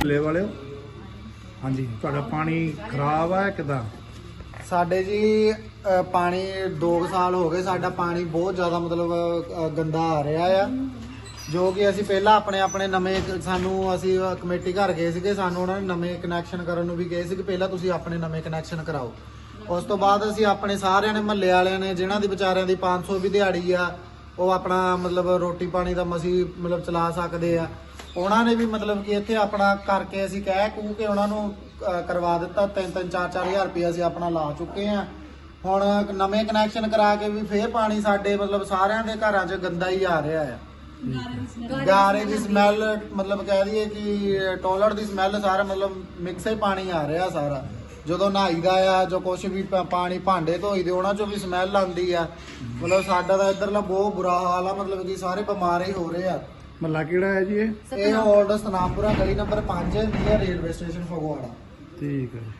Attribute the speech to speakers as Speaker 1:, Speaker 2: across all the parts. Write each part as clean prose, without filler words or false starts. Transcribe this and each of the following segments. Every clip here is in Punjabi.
Speaker 1: ਮਹੱਲੇ ਵਾਲਿਓ। ਹਾਂਜੀ, ਤੁਹਾਡਾ ਪਾਣੀ ਖਰਾਬ ਹੈ ਕਿਦਾਂ?
Speaker 2: ਸਾਡੇ ਜੀ ਪਾਣੀ 2 ਸਾਲ ਹੋ ਗਏ, ਸਾਡਾ ਪਾਣੀ ਬਹੁਤ ਜ਼ਿਆਦਾ ਮਤਲਬ ਗੰਦਾ ਆ ਰਿਹਾ ਆ, ਜੋ ਕਿ ਅਸੀਂ ਪਹਿਲਾਂ ਆਪਣੇ ਨਵੇਂ ਸਾਨੂੰ ਅਸੀਂ ਕਮੇਟੀ ਘਰ ਗਏ ਸੀਗੇ, ਸਾਨੂੰ ਉਹਨਾਂ ਨੇ ਨਵੇਂ ਕਨੈਕਸ਼ਨ ਕਰਨ ਨੂੰ ਵੀ ਕਹੇ ਸੀ ਕਿ ਪਹਿਲਾਂ ਤੁਸੀਂ ਆਪਣੇ ਨਵੇਂ ਕਨੈਕਸ਼ਨ ਕਰਾਓ। ਉਸ ਤੋਂ ਬਾਅਦ ਅਸੀਂ ਆਪਣੇ ਸਾਰਿਆਂ ਨੇ ਮਹੱਲੇ ਵਾਲਿਆਂ ਨੇ ਜਿਨ੍ਹਾਂ ਦੀ ਵਿਚਾਰਿਆਂ ਦੀ 500 ਵੀ ਦਿਹਾੜੀ ਆ, ਉਹ ਆਪਣਾ ਮਤਲਬ ਰੋਟੀ ਪਾਣੀ ਦਾ ਮਸੀਂ ਮਤਲਬ ਚਲਾ ਸਕਦੇ ਆ, ਉਹਨਾਂ ਨੇ ਵੀ ਮਤਲਬ ਕਿ ਇੱਥੇ ਆਪਣਾ ਕਰਕੇ ਅਸੀਂ ਕਹਿ ਕੂ ਕੇ ਉਹਨਾਂ ਨੂੰ ਕਰਵਾ ਦਿੱਤਾ। 3-3 4-4 ਹਜ਼ਾਰ ਰੁਪਏ ਅਸੀਂ ਆਪਣਾ ਲਾ ਚੁੱਕੇ ਆ। ਹੁਣ ਨਵੇਂ ਕਨੈਕਸ਼ਨ ਕਰਾ ਕੇ ਵੀ ਫੇਰ ਪਾਣੀ ਸਾਡੇ ਮਤਲਬ ਸਾਰਿਆਂ ਦੇ ਘਰਾਂ 'ਚ ਗੰਦਾ ਹੀ ਆ ਰਿਹਾ ਆ। ਗਾਰੇ ਦੀ ਸਮੈਲ, ਮਤਲਬ ਕਹਿ ਦਈਏ ਕਿ ਟੋਇਲਟ ਦੀ ਸਮੈਲ, ਸਾਰਾ ਮਤਲਬ ਮਿਕਸ ਹੀ ਪਾਣੀ ਆ ਰਿਹਾ ਸਾਰਾ। ਜਦੋਂ ਨਹਾਈਦਾ ਆ, ਜੋ ਕੁਛ ਵੀ ਪਾਣੀ ਭਾਂਡੇ ਧੋਈਦੇ ਉਹਨਾਂ 'ਚੋਂ ਵੀ ਸਮੈਲ ਆਉਂਦੀ ਆ। ਮਤਲਬ ਸਾਡਾ ਤਾਂ ਇੱਧਰਲਾ ਬਹੁਤ ਬੁਰਾ ਹਾਲ ਆ, ਮਤਲਬ ਕਿ ਸਾਰੇ ਬਿਮਾਰ ਹੀ ਹੋ ਰਹੇ ਆ।
Speaker 1: ਮਹੱਲਾ ਕਿਹੜਾ ਹੈ ਜੀ
Speaker 2: ਇਹ ਓਲਡ ਸਤਨਾਮਪੁਰਾ ਗਲੀ number 5 near railway station Phagwara.
Speaker 1: ਠੀਕ ਹੈ।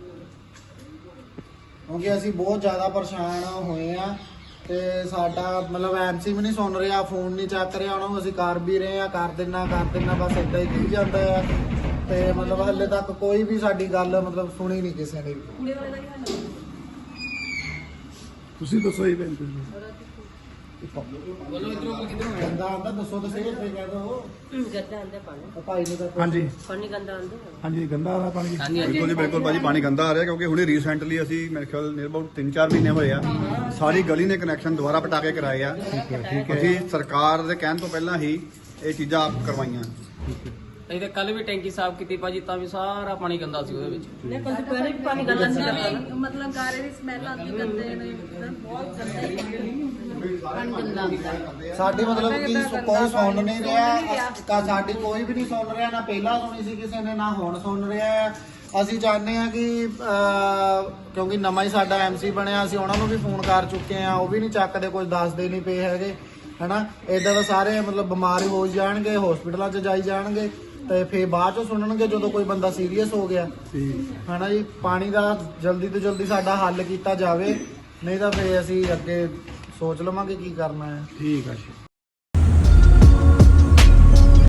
Speaker 2: ਕਿਉਂਕਿ ਅਸੀਂ ਬਹੁਤ ਜ਼ਿਆਦਾ ਪਰੇਸ਼ਾਨ ਹੋਏ ਆ ਤੇ ਸਾਡਾ ਮਤਲਬ ਐਮਸੀ ਵੀ ਨਹੀਂ ਸੁਣ ਰਿਹਾ, ਫੋਨ ਨਹੀਂ ਚੱਕ ਰਿਹਾ, ਉਹਨਾਂ ਨੂੰ ਅਸੀਂ ਕਰ ਵੀ ਰਹੇ ਆ, ਕਰ ਦਿੰਨਾ ਬਸ ਏਦਾਂ ਹੀ ਕਹੀ ਜਾਂਦਾ ਆ। ਤੇ ਮਤਲਬ ਹਲੇ ਤੱਕ ਕੋਈ ਵੀ ਸਾਡੀ ਗੱਲ ਮਤਲਬ ਸੁਣੀ ਨਹੀਂ ਕਿਸੇ ਨੇ ਵੀ।
Speaker 1: ਤੁਸੀਂ ਦੱਸੋ ਜੀ ਭੈਣ ਜੀ।
Speaker 2: ਗੰਦਾ ਆਂਦਾ ਦੱਸੋ ਤਾਂ ਸਹੀ, ਫਿਰ ਕਹਿ ਦੋ
Speaker 3: ਗੰਦਾ ਆਂਦਾ ਪਾਣੀ।
Speaker 2: ਭਾਈ ਨੇ ਤਾਂ
Speaker 1: ਹਾਂਜੀ
Speaker 3: ਪਾਣੀ ਗੰਦਾ ਆਂਦਾ।
Speaker 1: ਹਾਂਜੀ, ਗੰਦਾ ਆ ਰਿਹਾ ਪਾਣੀ।
Speaker 4: ਬਿਲਕੁਲ ਜੀ ਬਿਲਕੁਲ ਭਾਜੀ, ਪਾਣੀ ਗੰਦਾ ਆ ਰਿਹਾ ਕਿਉਂਕਿ ਹੁਣੇ ਰੀਸੈਂਟਲੀ ਅਸੀਂ ਮੇਰੇ ਖਿਆਲ ਨੀਅਰ ਅਬਾਊਟ 3-4 ਮਹੀਨੇ ਹੋਏ ਆ, ਸਾਰੀ ਗਲੀ ਨੇ ਕਨੈਕਸ਼ਨ ਦੁਬਾਰਾ ਪਟਾ ਕੇ ਕਰਾਏ ਆ। ਅਸੀਂ ਸਰਕਾਰ ਦੇ ਕਹਿਣ ਤੋਂ ਪਹਿਲਾਂ ਹੀ ਇਹ ਚੀਜ਼ਾਂ ਆਪ ਕਰਵਾਈਆਂ।
Speaker 5: ਅਸੀਂ ਤਾਂ ਕੱਲ ਵੀ ਟੈਂਕੀ ਸਾਫ਼ ਕੀਤੀ ਭਾਜੀ, ਤਾਂ ਵੀ ਸਾਰਾ ਪਾਣੀ ਗੰਦਾ ਸੀ ਉਹਦੇ ਵਿੱਚ।
Speaker 3: ਨਹੀਂ ਪਰ ਦੁਪਹਿਰੇ ਵੀ ਪਾਣੀ ਗੰਦਾ ਸੀ ਲੱਗਦਾ ਨਾ।
Speaker 6: ਮਤਲਬ ਗਾਰੇ ਦੀ ਸਮੈਲ ਆਉਂਦੀ ਗੰਦੇ ਨੇ, ਬਹੁਤ ਗੰਦਾ ਹੀ
Speaker 3: ਪਾਣੀ ਗੰਦਾ ਆਂਦਾ।
Speaker 2: ਸਾਡੀ ਮਤਲਬ ਕਿ ਕੋਈ ਸੁਣ ਨਹੀਂ ਰਿਹਾ, ਸਾਡੀ ਕੋਈ ਵੀ ਨਹੀਂ ਸੁਣ ਰਿਹਾ, ਨਾ ਪਹਿਲਾਂ ਸੁਣੀ ਸੀ ਕਿਸੇ ਨੇ, ਨਾ ਹੁਣ ਸੁਣ ਰਿਹਾ। ਅਸੀਂ ਚਾਹੁੰਦੇ ਆ ਕਿ ਕਿਉਂਕਿ ਨਵਾਂ ਹੀ ਸਾਡਾ ਐਮਸੀ ਬਣਿਆ, ਅਸੀਂ ਉਹਨਾਂ ਨੂੰ ਵੀ ਫੋਨ ਕਰ ਚੁੱਕੇ ਆ, ਉਹ ਵੀ ਨਹੀਂ ਚੱਕਦੇ, ਕੁਝ ਦੱਸਦੇ ਨਹੀਂ ਪਏ ਹੈਗੇ, ਹਨਾ। ਇਦਾਂ ਦਾ ਸਾਰੇ ਮਤਲਬ ਬਿਮਾਰ ਹੋ ਜਾਣਗੇ, ਹਸਪੀਟਲਾਂ 'ਚ ਜਾਈ ਜਾਣਗੇ ਤੇ ਫਿਰ ਬਾਅਦ 'ਚ ਸੁਣਨਗੇ ਜਦੋਂ ਕੋਈ ਬੰਦਾ ਸੀਰੀਅਸ ਹੋ ਗਿਆ, ਹਨਾ ਜੀ। ਪਾਣੀ ਦਾ ਜਲਦੀ ਤੋਂ ਜਲਦੀ ਸਾਡਾ ਹੱਲ ਕੀਤਾ ਜਾਵੇ, ਨਹੀਂ ਤਾਂ ਫਿਰ ਅਸੀਂ ਅੱਗੇ ਸੋਚ ਲਵਾਂਗੇ ਕੀ ਕਰਨਾ ਹੈ।
Speaker 1: ਠੀਕ ਹੈ ਜੀ।